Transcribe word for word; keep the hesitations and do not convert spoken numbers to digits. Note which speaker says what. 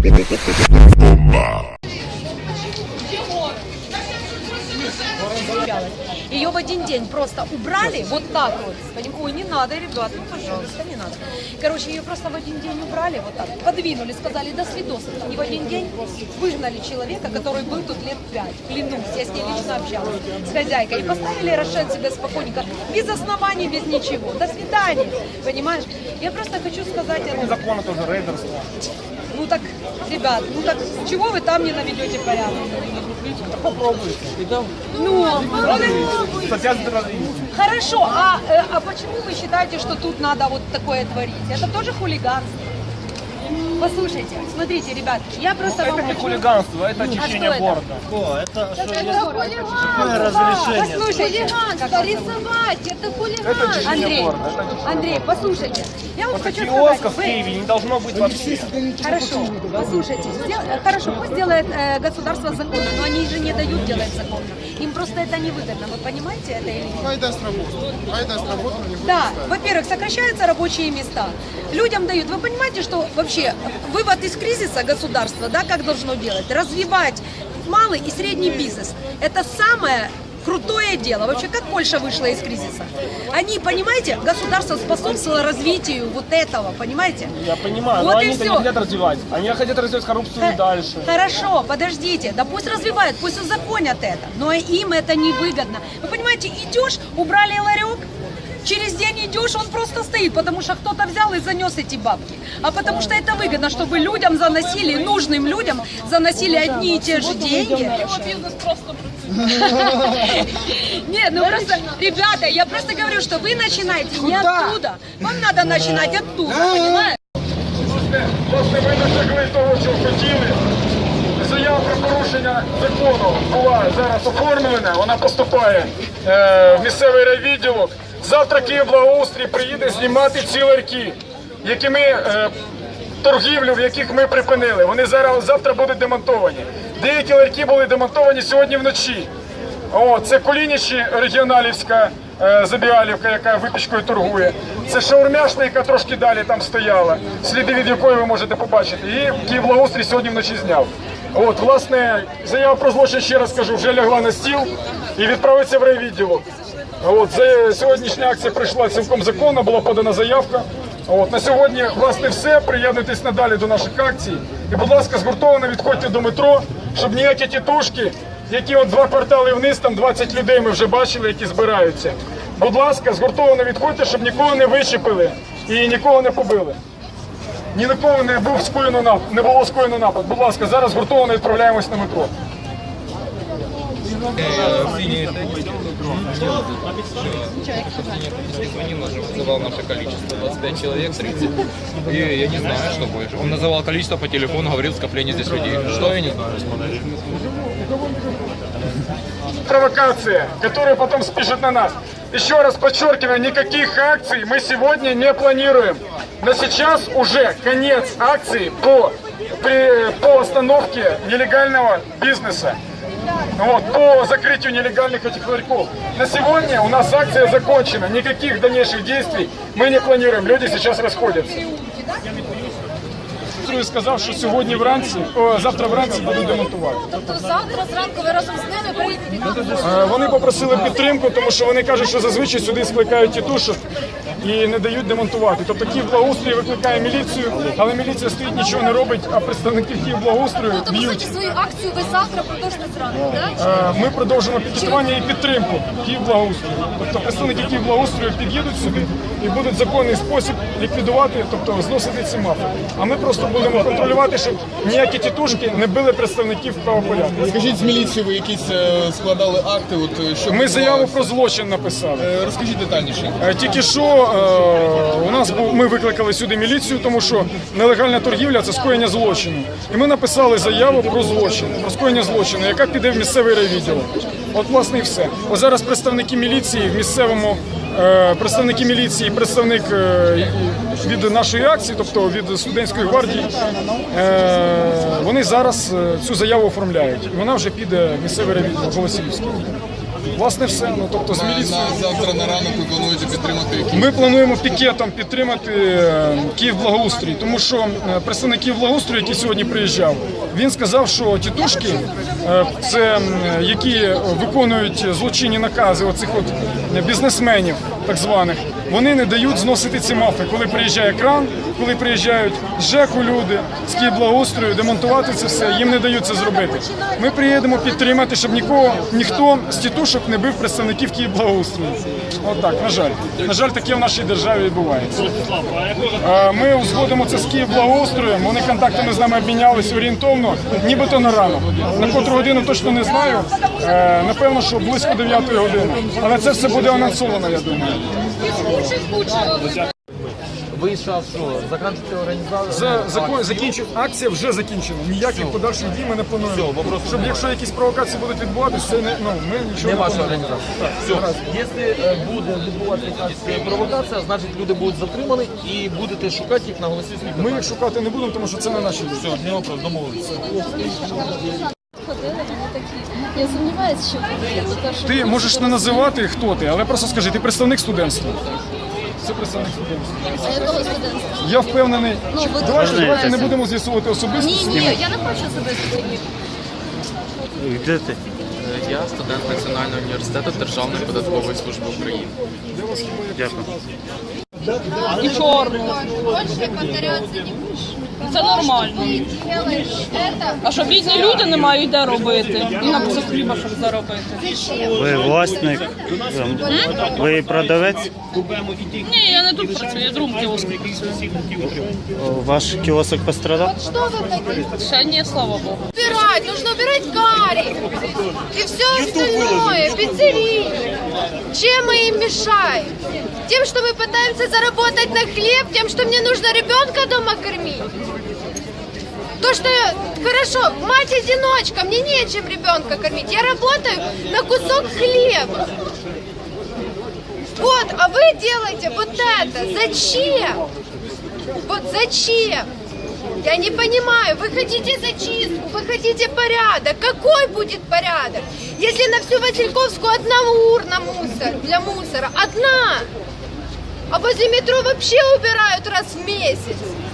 Speaker 1: Ее в один день просто убрали, вот так вот. Ой, не надо, ребят, ну пожалуйста, не надо. Короче, ее просто в один день убрали, вот так, подвинули, сказали, до свидос. И в один день выгнали человека, который был тут лет пять. Клянусь, я с ней лично общалась, с хозяйкой. И поставили Рошен себе спокойненько, без оснований, без ничего. До свидания, понимаешь? Я просто хочу сказать...
Speaker 2: Это закон, это уже рейдерство.
Speaker 1: Ну так, ребят, ну так, чего вы там не наведете порядок?
Speaker 2: Попробуйте.
Speaker 1: Ну,
Speaker 2: Статья за терроризм.
Speaker 1: хорошо, а, э, а почему вы считаете, что тут надо вот такое творить? Это тоже хулиганство. Послушайте, смотрите, ребят, я просто
Speaker 2: Это
Speaker 1: вам
Speaker 2: не
Speaker 1: хочу...
Speaker 2: хулиганство, это
Speaker 1: А
Speaker 2: очищение
Speaker 1: что это?
Speaker 2: города.
Speaker 3: О, это что,
Speaker 4: Это
Speaker 3: есть
Speaker 4: хулиганство,
Speaker 3: разрешение?
Speaker 1: Послушайте,
Speaker 4: хулиганство, рисовать, это
Speaker 2: Это
Speaker 4: хулиганство.
Speaker 2: очищение
Speaker 1: Андрей,
Speaker 2: города. Это очищение
Speaker 1: Андрей,
Speaker 2: города.
Speaker 1: послушайте, я вам
Speaker 2: Вот
Speaker 1: хочу
Speaker 2: таких
Speaker 1: сказать,
Speaker 2: киосков в
Speaker 1: вы-
Speaker 2: Киеве не должно быть вообще.
Speaker 1: Хорошо, послушайте, сдел- э, хорошо, пусть делает э, государство законно, но они же не дают делать законно. Им просто это невыгодно, вы понимаете это или нет?
Speaker 5: Айда с работы. Айда с работы не будет.
Speaker 1: Да, во-первых, сокращаются рабочие места. Людям дают. Вы понимаете, что вообще вывод из кризиса государства, да, как должно делать? Развивать малый и средний бизнес. Это самое крутое дело. Вообще, как Польша вышла из кризиса? Они, понимаете, государство способствовало развитию вот этого, понимаете?
Speaker 2: Я понимаю,
Speaker 1: Вот
Speaker 2: но
Speaker 1: и
Speaker 2: они-то
Speaker 1: всё.
Speaker 2: не хотят развивать. Они хотят развивать коррупцию и дальше.
Speaker 1: Хорошо, подождите, да пусть развивают, пусть узаконят это, но им это невыгодно. Вы понимаете, идешь, убрали ларек, через день идешь, он просто стоит, потому что кто-то взял и занес эти бабки. А потому что это выгодно, чтобы людям заносили, нужным людям заносили одни и те же деньги. Нет, ну просто, ребята, я просто говорю, что вы начинаете не оттуда. Вам надо начинать оттуда, понимаете?
Speaker 6: Власне, ми досягли того, що хотіли. Заява про порушення закону була зараз оформлена, вона поступає е, в місцевий райвідділок. Завтра Київблагоустрій приїде знімати ці ларьки, які ми, е, торгівлю, в яких ми припинили. Вони зараз завтра будуть демонтовані. Деякі ларьки були демонтовані сьогодні вночі. О, це Кулінічі, регіоналівська е, Забіалівка, яка випічкою торгує. Це шаурмяшна, яка трошки далі там стояла, сліди від якої ви можете побачити. І Київблагоустрій сьогодні вночі зняв. От, власне, заява про злочин, ще раз кажу, вже лягла на стіл і відправиться в райвідділок. От, за, сьогоднішня акція пройшла цілком законно, була подана заявка. От, на сьогодні, власне, все. Приєднуйтесь надалі до наших акцій. І, будь ласка, згуртовано відходьте до метро, щоб ніякі тітушки, які от два квартали вниз, там двадцять людей ми вже бачили, які збираються. Будь ласка, згуртовано відходьте, щоб нікого не вичепили і нікого не побили. Ні на кого не був скоєно напад, не було скоєно напад. Будь ласка, зараз згуртовано відправляємось на метро.
Speaker 7: Звонил, называл наше количество, двадцать пять человек, тридцать. И я не знаю, что больше. Он называл количество по телефону, говорил скопление здесь людей. Что я не знаю.
Speaker 6: Провокация, которая потом спишет на нас. Еще раз подчеркиваю, никаких акций мы сегодня не планируем. Но сейчас уже конец акции по, при, по остановке нелегального бизнеса. Вот, по закрытию нелегальных этих ларьков. На сегодня у нас акция закончена. Никаких дальнейших действий мы не планируем. Люди сейчас расходятся. Я сказав, що сьогодні вранці, о, завтра вранці будуть демонтувати.
Speaker 4: Тобто завтра зранку ви разом з ними приїдете?
Speaker 6: Е, Вони попросили підтримку, тому що вони кажуть, що зазвичай сюди скликають тітушок і не дають демонтувати. Тобто Київблагоустрій викликає міліцію, але міліція стоїть, нічого не робить, а представники Київблагоустрою
Speaker 4: Тобто, по
Speaker 6: б'ють.
Speaker 4: суті, свою акцію ви завтра продовжите зранку, так?
Speaker 6: Е, Ми продовжимо пікетування і підтримку Київблагоустрою. Тобто представники Київблагоустрою під'їдуть сюди і будуть в законний спосіб ліквідувати, тобто зносити ці мафи. А ми просто будемо контролювати, щоб ніякі тітушки не били представників правопорядку.
Speaker 5: Скажіть, з міліції ви якісь е, складали акти? От, е, що
Speaker 6: Ми заяву
Speaker 5: відбувалося?
Speaker 6: про злочин написали.
Speaker 5: Е, Розкажіть детальніше.
Speaker 6: Е, Тільки що е, у нас був, ми викликали сюди міліцію, тому що нелегальна торгівля – це скоєння злочину. І ми написали заяву про злочин, про скоєння злочину, яка піде в місцевий райвідділок. От, власне, і все. Ось зараз представники міліції в місцевому, е, представники міліції, представник е, від нашої акції, тобто від студентської гвардії, е, вони зараз е, цю заяву оформляють. І вона вже піде в місцевий райвідділок Голосіївський. Власне, все. Ну, тобто, з
Speaker 5: На,
Speaker 6: міліцією.
Speaker 5: на завтра на ранок ви плануєте підтримати які?
Speaker 6: Ми плануємо пікетом підтримати е, Київблагоустрій, тому що е, представник Київблагоустрою, який сьогодні приїжджав, він сказав, що тітушки, е, це м, які виконують злочинні накази оцих от бізнесменів, так званих, вони не дають зносити ці мафи. Коли приїжджає кран, коли приїжджають з ЖЕКу люди, з Київблагоустрою, демонтувати це все, їм не дають це зробити. Ми приїдемо підтримати, щоб нікого, ніхто з тітушок не бив представників Київблагоустрою. От так, на жаль. На жаль, таке в нашій державі відбувається. Е, Ми узгодимо це з Київблагоустроєм, вони контактами з нами обмінялись орієнтовно, нібито на ранок. На котру годину точно не знаю, Е, напевно, що близько дев'ятої години. Але це все буде анонсовано, я думаю.
Speaker 3: Вийшов, що закінчити організацію.
Speaker 6: За, закон, закінчив, акція вже закінчена. Ніяких подальших дій ми не плануємо. Щоб якщо якісь провокації будуть відбуватися, це не, ну, ми нічого
Speaker 3: Не
Speaker 6: не
Speaker 3: ваша
Speaker 6: плануємо.
Speaker 3: організація. Все. Якщо е, буде відбуватися якась провокація, значить люди будуть затримані і будете шукати їх на голосі слідства.
Speaker 6: Ми їх шукати не будемо, тому що це не наші люди.
Speaker 3: Все, не вопрос, домовилися.
Speaker 4: Ходили, вони такі. Я сумніваюся, що буде.
Speaker 6: Ти можеш не називати, хто ти, але просто скажи, ти представник студентства. Це представник студентства.
Speaker 4: А якого студентства?
Speaker 6: Я впевнений.
Speaker 4: Ну, ви
Speaker 6: Давайте,
Speaker 4: дуже
Speaker 6: давайте не
Speaker 4: знаєте.
Speaker 6: будемо з'ясувати особисто.
Speaker 4: Ні, ні, я не хочу себе сидіти.
Speaker 8: Де ти?
Speaker 7: Я студент Національного університету Державної податкової служби України.
Speaker 8: Дякую.
Speaker 9: І чорну.
Speaker 4: Більше повторятися не будеш.
Speaker 9: Це нормально. А що бідні люди не мають де робити. І на кусок хліба, щоб заробити.
Speaker 8: Ви власник? ем, Ви продавець?
Speaker 9: Ні, я не тут працюю, я в другому кіоску працюю.
Speaker 8: Ваш кіосок пострадав?
Speaker 4: Что вы такие?
Speaker 9: Ще ні, слава Богу.
Speaker 4: Убирать, нужно убирать карри и все остальное, пиццерии. Чем мы им мешаем? Тем, что мы пытаемся заработать на хлеб, тем, что мне нужно ребенка дома кормить. То, что я, хорошо, мать-одиночка, мне нечем ребенка кормить. Я работаю на кусок хлеба. Вот, а вы делаете вот это. Зачем? Вот зачем? Я не понимаю, вы хотите зачистку, вы хотите порядок. Какой будет порядок? Если на всю Васильковскую одна урна мусор, для мусора, одна. А возле метро вообще убирают раз в месяц.